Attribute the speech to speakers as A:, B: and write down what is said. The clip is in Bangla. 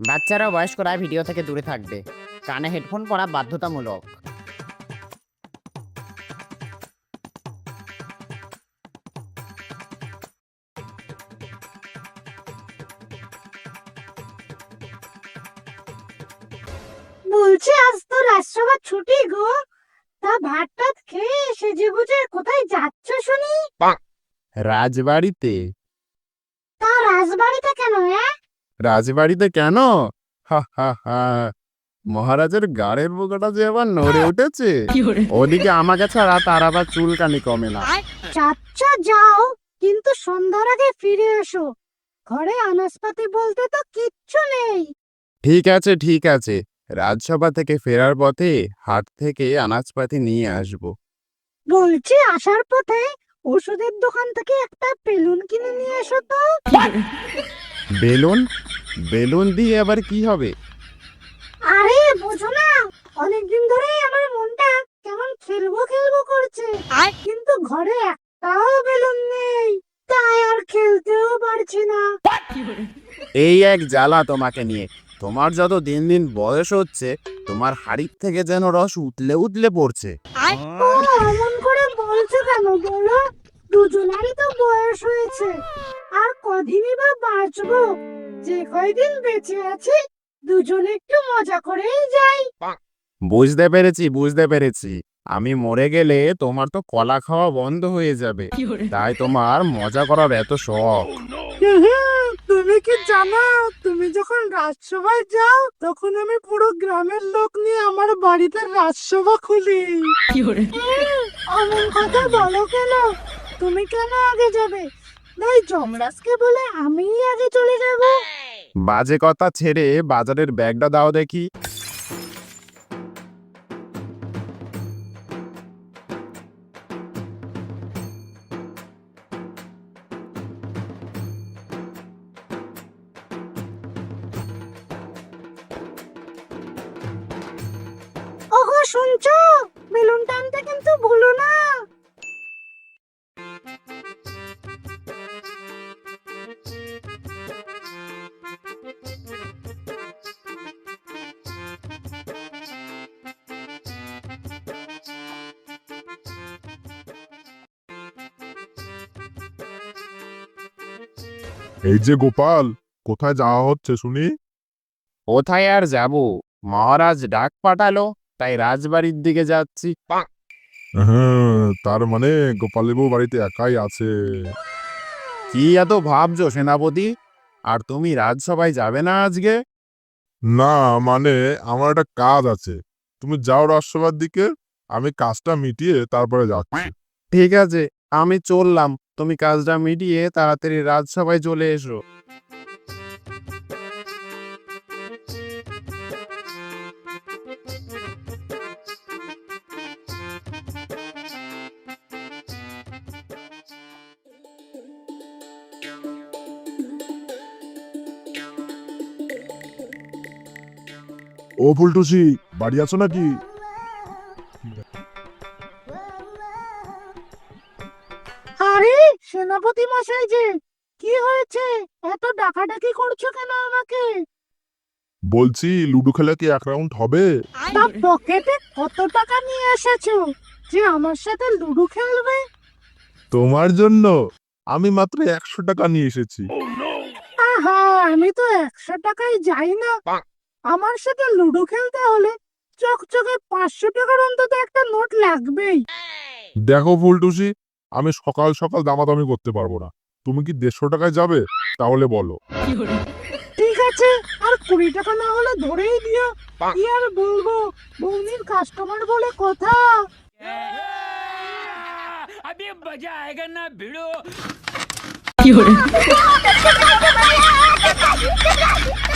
A: বাচ্চারা বয়স্করা ভিডিও থেকে দূরে থাকবে। কানে হেডফোন পরা বাধ্যতামূলক।
B: বলছি আজ তো রাজসভা ছুটি গো, তা ভাত টাত খেয়ে সেজে গুজে কোথায় যাচ্ছ শুনি?
C: রাজবাড়িতে।
B: তা রাজবাড়িতে কেন?
C: রাজবাড়িতে কেন? হা হা হা, মহারাজের গাড়ের বোকাটা যে আবার নড়ে উঠেছে। ওদিকে আমাকে ছাড়া তার আবার চুলকানি কমে না।
B: যাচ্ছ যাও, কিন্তু সন্ধ্যার আগে ফিরে এসো। ঘরে আনাজপাতি বলতে তো কিচ্ছু নেই।
C: ঠিক আছে ঠিক আছে, রাজসভা থেকে ফেরার পথে হাট থেকে আনাজপাতি নিয়ে আসব।
B: বলছি আসার পথে ওষুধের দোকান থেকে একটা বেলুন কিনে নিয়ে এসো তো।
C: বেলুন? বেলুন দিয়ে আবার কি হবে?
B: আরে বুঝো না, অনেকদিন ধরেই আমার মনটা কেমন খেলবো খেলবো করছে, কিন্তু ঘরে একটাও বেলুন নেই, তাই আর খেলতেও পারছি না।
C: এই এক জ্বালা তোমাকে নিয়ে। তোমার যত দিন দিন বয়স হচ্ছে, তোমার হাড়ির থেকে যেন রস উতলে উতলে পড়ছে।
B: ও এমন করে বলছো কেন বলো? দুজনেরই তো বয়স হয়েছে, আর কদিনই বা বাঁচবো। যে কয়দিন বেঁচে আছি দুজনে একটু মজা করেই যাই।
C: বুঝতে পেরেছি বুঝতে পেরেছি, আমি মরে গেলে তোমার তো কলা খাওয়া বন্ধ হয়ে যাবে, তাই তোমার মজা করার এত শখ।
B: তুমি কি জানো, তুমি যখন রাজসভায় যাও তখন আমি পুরো গ্রামের লোক নিয়ে আমার বাড়িতে রাজসভা খুলি। অমন কথা বলো কেন? তুমি কেন আগে যাবে? তাই যমরাজকে বলে আমিই আগে চলে যাব।
C: বাজে কথা ছেড়ে বাজারের ব্যাগটা দাও দেখি।
B: ওগো শুনছো, বেলুন টানতে কিন্তু ভুলো না।
D: এই যে গোপাল, কোথায় যাওয়া হচ্ছে শুনি?
C: কোথায় আর যাব, মহারাজ ডাক পাঠালো, তাই রাজবাড়ির দিকে যাচ্ছি।
D: হ্যাঁ, তার মানে গোপালবাবু বাড়িতে একাই আছে।
C: কি এত ভাবছো সেনাপতি? আর তুমি রাজসভায় যাবে না আজকে?
D: না মানে আমার একটা কাজ আছে, তুমি যাও রাজসভার দিকে, আমি কাজটা মিটিয়ে তারপরে যাচ্ছি।
C: ঠিক আছে, আমি চললাম, তুমি কাজটা মিটিয়ে তাড়াতাড়ি রাজসভায় চলে এসো।
D: ও ফুলটুসি, বাড়ি আছো নাকি?
B: আরে সেনাপতি মশাই যে, কি হয়েছে? এত ডাকাডাকি করছো কেন আমাকে?
D: বলছি লুডো খেলা কি এক রাউন্ড হবে?
B: তা পকেটে কত টাকা নিয়ে এসেছো যে আমার সাথে লুডো খেলবে?
D: তোমার জন্য আমি মাত্র 100 টাকা নিয়ে এসেছি।
B: আহা, আমি তো 100 টাকায় যাই না। আমার সাথে লুডো খেলতে হলে চকচকে 500 টাকার অন্তত একটা নোট লাগবেই।
D: দেখো ফুলটুসি, আমি সকাল সকাল দামাদামি করতে পারবো না। তুমি কি 150 টাকায় যাবে? তাহলে বলো।
B: ঠিক আছে, আর 20 টাকা না হলে ধরেই দিও। কি আর বলবো, বৌনির কাস্টমার বলে কথা।
E: अभी मजा आएगा ना भिड़ो।